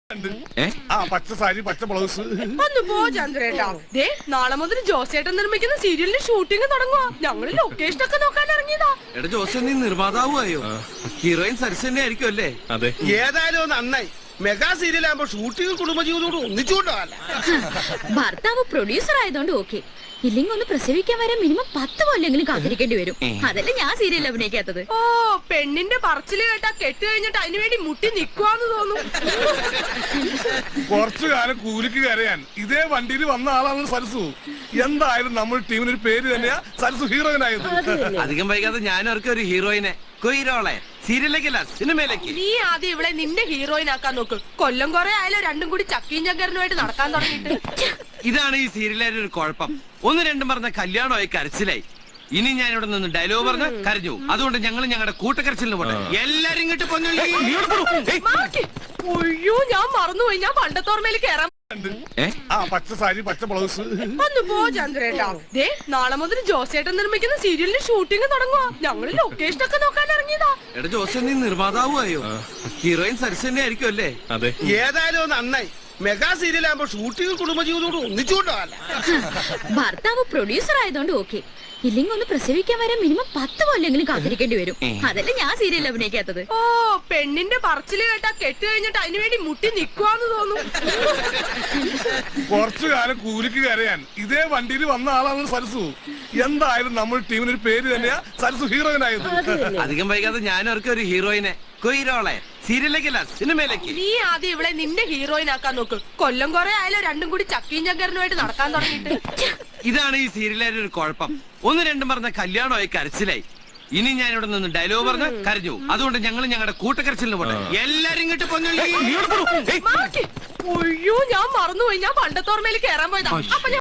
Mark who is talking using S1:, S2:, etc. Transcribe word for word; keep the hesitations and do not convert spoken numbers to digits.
S1: ആ പച്ച സാരി പച്ച ബ്ലൗസ്
S2: ഒന്ന് പോ ചന്ദ്രേട്ടാ. ദേ നാളെ മുതൽ ജോസേട്ടൻ നിർമ്മിക്കുന്ന സീരിയലിന്റെ ഷൂട്ടിംഗ് തുടങ്ങുക. ഞങ്ങള് ലൊക്കേഷൻ ഒക്കെ നോക്കാൻ ഇറങ്ങിയതാ.
S3: എടാ ജോസ് നീ നിർമ്മാതാവുമായോ? ഹീറോയിൻ സരസ് തന്നെ ആയിരിക്കും അല്ലേ?
S1: അതെ.
S4: ഏതായാലും നന്നായി. മെഗാ സീരിയൽ ആകുമ്പോ ഷൂട്ടിംഗ് കുടുംബജീവിതത്തോട് ഒന്നിച്ചുകൊണ്ടല്ല.
S5: ഭർത്താവ് പ്രൊഡ്യൂസർ ആയതുകൊണ്ട് ഓക്കെ. ഇല്ലെങ്കിൽ ഒന്ന് പ്രസവിക്കാൻ വരെ മിനിമം പത്ത് കൊല്ലെങ്കിലും കാത്തിരിക്കേണ്ടി വരും. അതല്ലേ ഞാൻ സീരിയൽ അഭിനയിക്കാത്തത്.
S2: ഓ പെണ്ണിന്റെ പറച്ചില് കേട്ടാ കെട്ട് കഴിഞ്ഞിട്ട് അതിനു വേണ്ടി മുട്ടി നിക്കുവാന്ന് തോന്നും.
S1: കുറച്ചു കാലം കൂലിക്ക് കരയാൻ ഇതേ വണ്ടിയിൽ വന്ന ആളാണ് സരസു. എന്തായാലും നമ്മൾ ടീമിനൊരു പേര് തന്നെയാ സരസു ഹീറോയിനായത്.
S3: അധികം വൈകാതെ ഞാനും അവർക്ക് ഒരു ഹീറോയിനെ കൊയ്റോളെ സീരിയലിലേക്കല്ല സിനിമയിലേക്ക്.
S2: നീ ആദ്യം ഇവിടെ നിന്റെ ഹീറോയിൻ ആക്കാൻ നോക്ക്. കൊല്ലം കുറെ ആയാലും രണ്ടും കൂടി ചക്കീം ചങ്കരനുമായിട്ട് നടക്കാൻ തുടങ്ങിയിട്ട്.
S3: ഇതാണ് ഈ സീരിയലിന്റെ ഒരു കുഴപ്പം. ഒന്ന് രണ്ടും പറഞ്ഞ കല്യാണമായി കരച്ചിലായി. ഇനി ഞാൻ ഇവിടെ നിന്ന് ഡയലോഗ് പറഞ്ഞ് കരഞ്ഞു. അതുകൊണ്ട് ഞങ്ങൾ ഞങ്ങളുടെ കൂട്ടക്കരച്ചിലിന് പോട്ടെ. എല്ലാരും ഇങ്ങോട്ട്
S2: ഒയ്യോ ഞാൻ മറന്നുപോയി. ഞാൻ പണ്ടത്തോർമയിൽ കയറാൻ.
S1: ആ പച്ച സാരി പച്ച ബ്ലൗസ്
S2: ഒന്ന് പോ ചന്ദ്രേട്ടാ. ദേ നാളെ മുതൽ ജോസേട്ടൻ നിർമ്മിക്കുന്ന സീരിയലിന്റെ ഷൂട്ടിംഗ് തുടങ്ങുക. ഞങ്ങള് ലൊക്കേഷൻ ഒക്കെ നോക്കാൻ ഇറങ്ങിയതാ.
S3: എടാ ജോസ് നീ നിർമ്മാതാവുമായോ? ഹീറോയിൻ സരസ് തന്നെ ആയിരിക്കും അല്ലേ?
S1: അതെ.
S4: ഏതായാലും നന്നായി. മെഗാ സീരിയൽ ആകുമ്പോ ഷൂട്ടിംഗ് കുടുംബജീവിതത്തോട് ഒന്നിച്ചുകൊണ്ടല്ല.
S5: ഭർത്താവ് പ്രൊഡ്യൂസർ ആയതുകൊണ്ട് ഓക്കെ. ഇല്ലെങ്കിൽ ഒന്ന് പ്രസവിക്കാൻ വരെ മിനിമം പത്ത് കൊല്ലെങ്കിലും കാത്തിരിക്കേണ്ടി വരും. അതല്ലേ ഞാൻ സീരിയൽ അഭിനയിക്കാത്തത്.
S2: ഓ പെണ്ണിന്റെ പറച്ചില് കേട്ടാ കെട്ട് കഴിഞ്ഞിട്ട് അതിനു വേണ്ടി മുട്ടി നിക്കുവാന്ന് തോന്നും.
S1: കുറച്ചു കാലം കൂലിക്ക് കരയാൻ ഇതേ വണ്ടിയിൽ വന്ന ആളാണ് സരസു. എന്തായാലും നമ്മൾ ടീമിനൊരു പേര് തന്നെയാ സരസു ഹീറോയിനായത്.
S3: അധികം വൈകാതെ ഞാനും അവർക്ക് ഒരു ഹീറോയിനെ കൊയ്റോളെ സീരിയലിലേക്കല്ല സിനിമയിലേക്ക്.
S2: നീ ആദ്യം ഇവിടെ നിന്റെ ഹീറോയിൻ ആക്കാൻ നോക്ക്. കൊല്ലം കുറെ ആയാലും രണ്ടും കൂടി ചക്കീം ചങ്കരനുമായിട്ട് നടക്കാൻ തുടങ്ങിയിട്ട്.
S3: ഇതാണ് ഈ സീരിയലിന്റെ ഒരു കുഴപ്പം. ഒന്ന് രണ്ടും പറഞ്ഞ കല്യാണമായി കരച്ചിലായി. ഇനി ഞാൻ ഇവിടെ നിന്ന് ഡയലോഗ് പറഞ്ഞ് കരഞ്ഞു. അതുകൊണ്ട് ഞങ്ങൾ ഞങ്ങളുടെ കൂട്ടക്കരച്ചിലിന് പോട്ടെ. എല്ലാരും ഇങ്ങോട്ട്
S2: ഒയ്യോ ഞാൻ മറന്നുപോയി. ഞാൻ പണ്ടത്തോർമയിൽ കയറാൻ പോയതാ. അപ്പൊ